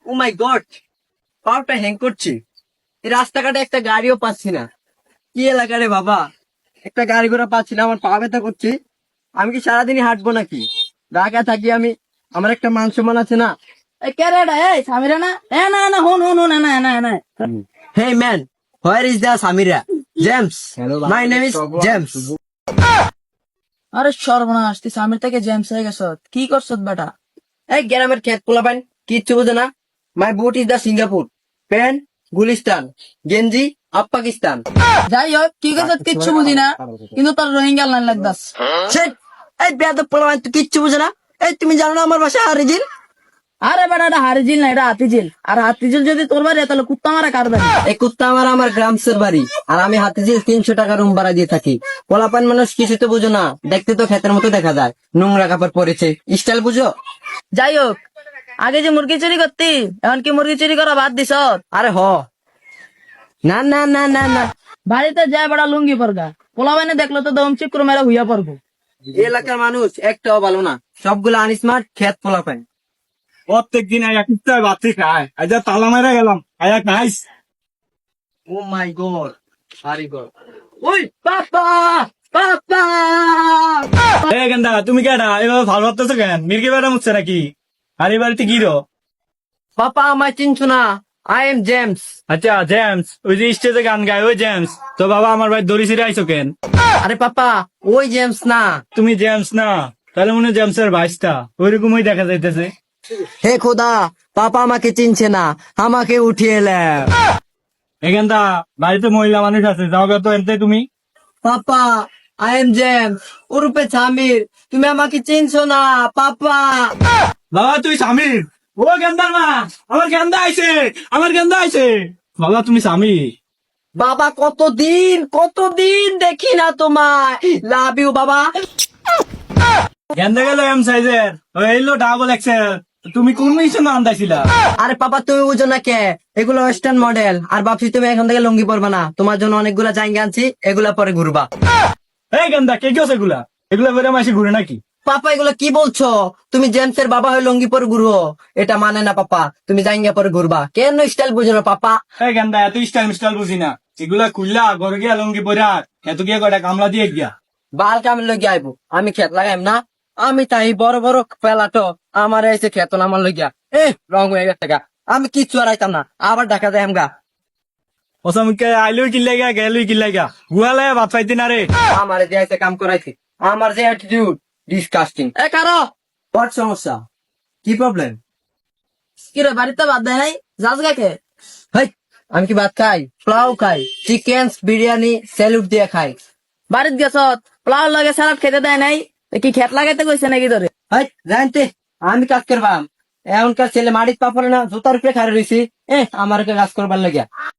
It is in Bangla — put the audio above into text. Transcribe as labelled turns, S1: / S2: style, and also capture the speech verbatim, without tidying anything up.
S1: ও মাই গড, পাওয়ারটা হ্যাং করছে। এই রাস্তাঘাটে একটা গাড়িও পাচ্ছি না। কি এলাকা রে বাবা, একটা গাড়ি ঘোড়া পাচ্ছি না, আমার পা ব্যথা করছে। আমি কি সারাদিনই হাঁটবো নাকি? ঢাকা থাকি আমি, আমার একটা মান সম্মান আছে না?
S2: এই কে রে এটা? এই সামিরা না? এ না না হুন হুন হুন না না না
S1: Hey man, where is the Samira? James. My name is James.
S2: আরে সর্বনাশ, তুই সামির থেকে জেমস হয়ে গেছ। কি করছ বেটা?
S1: এই গ্রামের খেত পোলাপান কিচ্ছু বোঝে না। My boot is the Singapore, pant Gulistan, গেঞ্জি আপ পাকিস্তান।
S2: যাই হোক, কি করছ কিচ্ছু বুঝি না, কিন্তু তোর রোহিঙ্গা লাইন লাগদাস।
S1: Shit! এই বেয়াদব পোলাপান তুই কিচ্ছু বোঝে না। এই তুমি জানো না আমার বাসা হারিজিল?
S2: আরে বেটা, এটা হারিজিল না, এটা হাতিঝিল। আর হাতিঝিল যদি তোর বাড়ি, তাহলে কুত্তা মারা কার বাড়ি?
S1: এই কুত্তা আমার আমার গ্রামসের বাড়ি, আর আমি হাতিঝিল তিনশো টাকা রুম ভাড়া দিয়ে থাকি। পোলাপান মানুষ কিছু তো বুঝো না, দেখতে তো ক্ষেতের মতো দেখা যায়, নোংরা কাপড় পরেছে, স্টাইল বুঝো?
S2: যাই হোক, আগে যে মুরগি চুরি করতি, এখন কি মুরগি চুরি করা বাদ দিছ?
S1: আরে হ, না না না না না,
S2: বাড়িতে যায় বেটা লুঙ্গি পরগা, পোলা বাইনে দেখলো তো দম চিক্র মেরা হুইয়া পড়বো।
S1: এই এলাকার মানুষ একটাও ভালো না, সবগুলো আনস্মার্ট খেত পোলাপান।
S3: প্রত্যেক দিন এক কুত্তায় বাতি খায়, আজ আর তালা মেরে গেলাম, আজ এক nice.
S1: Oh my god, sorry god. ওই পাপা, পাপা!
S3: এ গেন্দা, তুমি কেডা এভাবে ভালো ভাবতেছো কেন? মির্গি বেড়া মুচ্ছে নাকি? আর এই বাড়িতে কি রো?
S1: পাপা আমায় চিনছো না? I am James.
S3: আচ্ছা জেমস, ওই যে স্টেজে গান গায় ওই জেমস। তো বাবা আমার ভাই দড়ি ছিঁড়ে আইসো কেন?
S1: আরে পাপা, ওই জেমস না।
S3: তুমি জেমস না? তাহলে মনে হয় জেমসের ভাইসটা, ওইরকমই দেখা যাইতেছে।
S1: হে খোদা, পাপা আমাকে চিনছে না, আমাকে উঠিয়ে এলে।
S3: এখানটা বাড়িতে মহিলা মানুষ আছে, যাও গে তো এনতে তুমি।
S1: পাপা, আই এম জেমস, ওরূপে সামির, তুমি আমাকে চিনছো না পাপা।
S3: বাবা তুই স্বামীর? ও গেন্দার মা, আমার গেন্দা আইছে, আমার গেন্দা আইছে। বাবা তুমি স্বামী?
S1: বাবা কতদিন কতদিন দেখি না তোমায়, লাভ ইউ বাবা।
S3: গেন্দা গেল এম সাইজের, ওই এলো ডাবল এক্সেল। তুমি কোন মিশন আন্দাইছিলা?
S1: আরে পাপা তুমি বুঝো না কে, এগুলো ওয়েস্টার্ন মডেল। আর ভাবছি তুমি এখন থেকে লুঙ্গি পরবা না, তোমার জন্য অনেকগুলা জায়গা আনছি, এগুলা পরে ঘুরবা।
S3: এই গেন্দা কে কেউ এগুলা? এগুলা বেড়ে মাসে ঘুরে নাকি?
S1: পাপা এগুলো কি বলছো? তুমি জেমসের বাবা হয়ে লুঙ্গি পরে ঘুরো, এটা মানে না পাপা। তুমি জায়গা পরে ঘুরবা, কেন স্টাইল বুঝো না পাপা?
S3: এই গেন্দা এত স্টাইল মিস্টাইল বুঝি না। এগুলা খুললা ঘরে গিয়া লঙ্গি পরে আর এত গিয়া কয়টা কামলা দিয়ে গিয়া।
S1: বাল কামিল লগে আইবো, আমি খেত লাগাইম না? আমি তাই বড় বড় পেলাটো আমার এসে খেত না আমার লইয়া। এ রং হয়ে গেছে গা, আমি কিচ্ছু আর আইতাম না, আবার ঢাকা যাই আমগা।
S3: ওসামকে আইলুই কিল্লাই গা গেলুই কিল্লাই গা, গুয়ালে ভাত পাইতি না রে।
S1: আমার যে কাম করাইছি, আমার যে অ্যাটিটিউড, ডিসকাস্টিং। এ কারো হোয়াট সমস্যা, কি প্রবলেম?
S2: কিরে বাড়িতে বাদ দেয় নাই? যাস গাকে?
S1: হেই, আমি কি ভাত খাই? পোলাও খাই, চিকেন বিরিয়ানি স্যালুট দিয়ে খাই।
S2: বাড়িতে গেছ, পোলাও লাগে স্যালাড খেতে দেয় নাই? তো কি খেত লাগাইতে কইছে নাকি তোরে?
S1: হেই জানতে, আমি কাজ করবাম? এখনকার ছেলে মাটির পা পড়ে না, জুতার উপরে খাড়ে রয়েছি। এ আমার কাজ করবার লাগিয়া